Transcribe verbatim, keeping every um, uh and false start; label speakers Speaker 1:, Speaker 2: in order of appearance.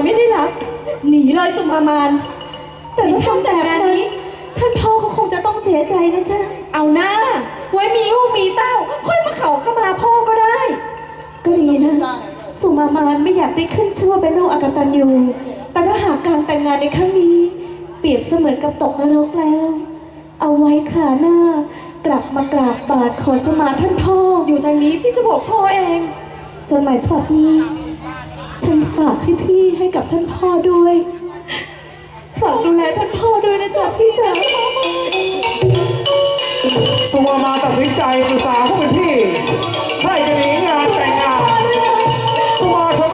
Speaker 1: ไม่ได้รับหนีเลยสุมามานแต่ถ้าทำแบบนี้ท่านพ่อก็คงจะต้องเสียใจนะจ๊ะเอาหน้าไว้มีลูกมีเต้าค่อยมาเขาเข้ามาพ่อก็ได้ก็ดีนะสุมามานไม่อยากได้ขึ้นชื่อว่าเป็นลูกอกตัญญูแต่ถ้าหากการแต่งงานในครั้งนี้เปรียบเสมือนกับตกนรกแล้วเอาไว้คราหน้ากลับมากราบบาทขอสมาท่านพ่ออยู่ทางนี้พี่จะบอกพ่อเองจนหมายฉบับนี้ฉันฝากให้พี่ให้กับท่านพ่อด้วยฝากดูแลท่านพ่อด้วยนะจ๊ะพี่จ๋า
Speaker 2: สุวรรณตัดสินใจปรึกษาผู้เป็นพี่ใครจะหนีงานแต่งง